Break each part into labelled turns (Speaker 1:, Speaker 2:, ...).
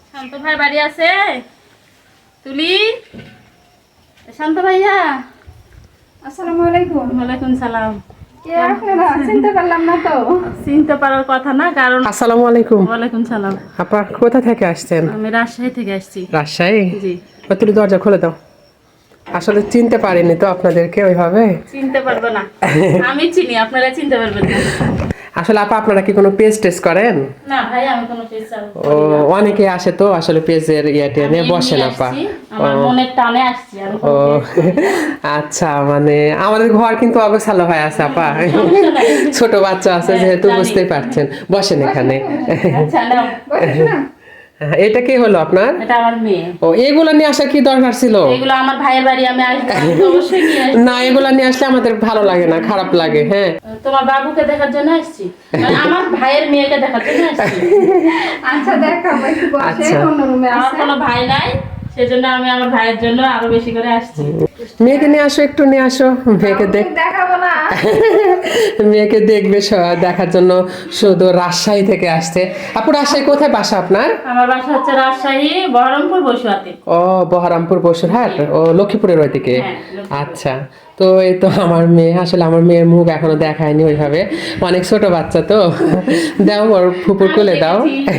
Speaker 1: শান্ত ভাই বাড়ি আছে? তুলি, শান্ত ভাইয়া।
Speaker 2: আসসালামু আলাইকুম।
Speaker 1: ওয়ালাইকুম সালাম।
Speaker 2: কে আপনারা? চিনতে পারলাম না তো।
Speaker 1: চিনতে পারার কথা না, কারণ
Speaker 3: আসসালামু আলাইকুম।
Speaker 1: ওয়ালাইকুম সালাম।
Speaker 3: আপা কোথা থেকে আসছেন?
Speaker 1: আমি রাজশাহী থেকে আসছি।
Speaker 3: রাজশাহী?
Speaker 1: জি।
Speaker 3: তুমি দরজা খুলে দাও। আসলে চিনতে পারিনি তো আপনাদেরকে ওইভাবে।
Speaker 1: চিনতে পারবো না, আমি চিনি, আপনারা চিনতে পারবেন না।
Speaker 3: আসলে আপা আপনারা কি কোনো পেজ টেস্ট করেন?
Speaker 1: না ভাই, আমি কোনো পেশা
Speaker 3: ও, অনেকে আসে তো আসলে পেজের ইয়েতে নিয়ে বসেন আপা।
Speaker 1: আমার মনের টানে আসছি আমি।
Speaker 3: ও আচ্ছা, মানে আমাদের ঘর কিন্তু অগোছালো হয়ে আছে আপা, ছোট বাচ্চা আছে যেহেতু বুঝতেই পারছেন। বসেন এখানে।
Speaker 1: আচ্ছা নাও।
Speaker 2: বসো না।
Speaker 3: এটা কি হলো আপনার?
Speaker 1: এটা আমার মেয়ে।
Speaker 3: ও, এগুলো নিয়ে আসার কি দরকার ছিল?
Speaker 1: এগুলো আমার ভাইয়ের বাড়ি, আমি আসবো, আমি তো অবশ্যই নিয়ে আসবো।
Speaker 3: না, এগুলো নিয়ে আসলে আমাদের ভালো লাগে না, খারাপ লাগে। হ্যাঁ,
Speaker 1: তোমার বাবুকে দেখার জন্য আসছি, মানে আমার ভাইয়ের মেয়েকে দেখার জন্য আসছি।
Speaker 2: আচ্ছা দেখাবো, একটু বসে
Speaker 3: আচ্ছা।
Speaker 2: অন্য রুমে
Speaker 1: আমার
Speaker 2: আছে।
Speaker 1: কোনো ভাই নাই, সেজন্য আমি আমার ভাইয়ের জন্য আরো বেশি করে আসছি।
Speaker 3: মেয়েকে নিয়ে আসো, একটু নিয়ে আসো। মেয়েকে
Speaker 2: দেখাবো না।
Speaker 3: মেয়েকে দেখবে দেখার জন্য শুধু রাজশাহী থেকে আসছে। আপু রাজশাহী কোথায় বাসা আপনার?
Speaker 1: আমার বাসা হচ্ছে রাজশাহী বহরমপুর বসুয়াতে।
Speaker 3: ও, বহরমপুর বসুরহাট। ও, লক্ষ্মীপুরের ওইদিকে।
Speaker 1: হ্যাঁ, লক্ষ্মীপুর।
Speaker 3: আচ্ছা, তো এই তো আমার মেয়ে, আসলে আমার মেয়ের মুখ এখনো দেখায়নি ওইভাবে, অনেক ছোট বাচ্চা তো। দাও, ওর ফুপুর কোলে দাও।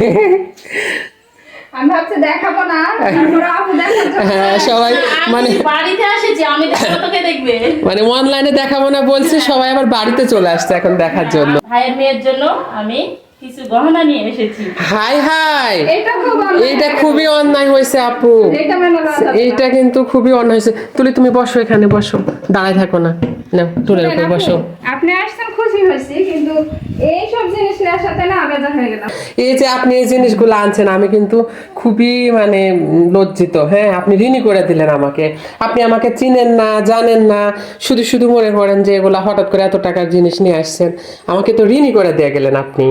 Speaker 2: আমি ভাবছি দেখাবো না, তারপর আপু দেখার জন্য।
Speaker 3: হ্যাঁ, সবাই মানে
Speaker 1: আমি বাড়িতে এসেছি, আমি দেখবো, তোকে দেখবে।
Speaker 3: মানে অনলাইনে দেখাবো না বলছে, সবাই আবার বাড়িতে চলে আসছে এখন দেখার জন্য।
Speaker 1: ভাইয়ের মেয়ের জন্য আমি কিছু গহনা নিয়ে এসেছি।
Speaker 3: হাই হাই,
Speaker 2: এটা খুব অন্যায়।
Speaker 3: এইটা খুবই অন্যায় হয়েছে আপু।
Speaker 2: এটা মেনে নেওয়া যাবে না।
Speaker 3: এইটা কিন্তু খুবই অন্যায় হয়েছে। তুমি বসো, এখানে বসো, দাঁড়ায় থাকো না। নাও, টুলের উপর বসো।
Speaker 2: আপনি আসছেন খুশি হয়েছি, কিন্তু এই সব জিনিস নেওয়ার সাথে না বেজার হয়ে গেলাম।
Speaker 3: এই যে আপনি এই জিনিসগুলো আনছেন, আমি কিন্তু খুবই মানে লজ্জিত। হ্যাঁ, আপনি ঋণী করে দিলেন আমাকে। আপনি আমাকে চিনেন না, জানেন না, শুধু শুধু মনে করেন যে এগুলা হঠাৎ করে এত টাকার জিনিস নিয়ে আসছেন। আমাকে তো ঋণী করে দিয়ে গেলেন আপনি।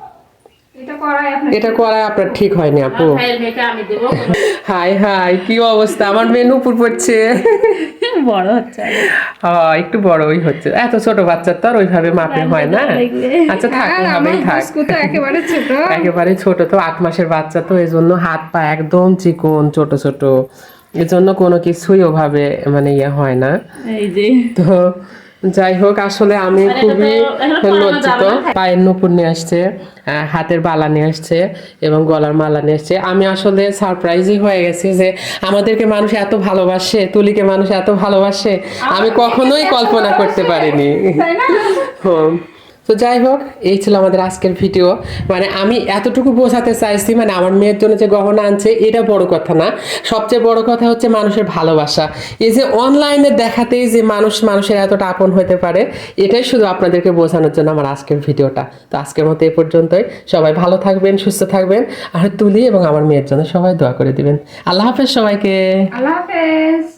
Speaker 3: এটা করা আপনার ঠিক হয়নি আপু।
Speaker 1: আমার ভাইয়ের মেয়েকে আমি দেবো।
Speaker 3: হাই হাই, কি অবস্থা! আমার মেয়ে নুপুর পড়ছে।
Speaker 1: বড় হচ্ছে
Speaker 3: একটু বড়ই হচ্ছে, এত ছোট বাচ্চা তো আর ওইভাবে মাপে হয় না। আচ্ছা থাক, ওইভাবেই থাক।
Speaker 2: একেবারে ছোট।
Speaker 3: একেবারে ছোট তো, 8 মাসের বাচ্চা তো, এই জন্য হাত পা একদম চিকন, ছোট ছোট, এর জন্য কোনো কিছুই ওভাবে মানে ইয়ে হয় না।
Speaker 1: এই যে
Speaker 3: তো যাই হোক, আসলে আমি খুবই লজ্জিত। পায়ের নুপুর নিয়ে আসছে, হাতের বালা নিয়ে আসছে এবং গলার মালা নিয়ে আসছে। আমি আসলে সারপ্রাইজই হয়ে গেছি যে আমাদেরকে মানুষ এত ভালোবাসে, তুলিকে মানুষ এত ভালোবাসে, আমি কখনোই কল্পনা করতে পারিনি। হুম। তো যাই হোক, এই ছিল আমাদের আজকের ভিডিও। মানে আমি এতটুকু বোঝাতে চাইছি, মানে আমার মেয়ের জন্য যে গহনা আনছে এটা বড় কথা না, সবচেয়ে বড় কথা হচ্ছে মানুষের ভালোবাসা। এই যে অনলাইনে দেখাতেই যে মানুষের এতটা আপন হতে পারে, এটাই শুধু আপনাদেরকে বোঝানোর জন্য আমার আজকের ভিডিওটা। তো আজকের মতো এ পর্যন্তই। সবাই ভালো থাকবেন, সুস্থ থাকবেন, আর তুলি এবং আমার মেয়ের জন্য সবাই দোয়া করে দিবেন। আল্লাহ হাফেজ সবাইকে।
Speaker 2: আল্লাহ হাফেজ।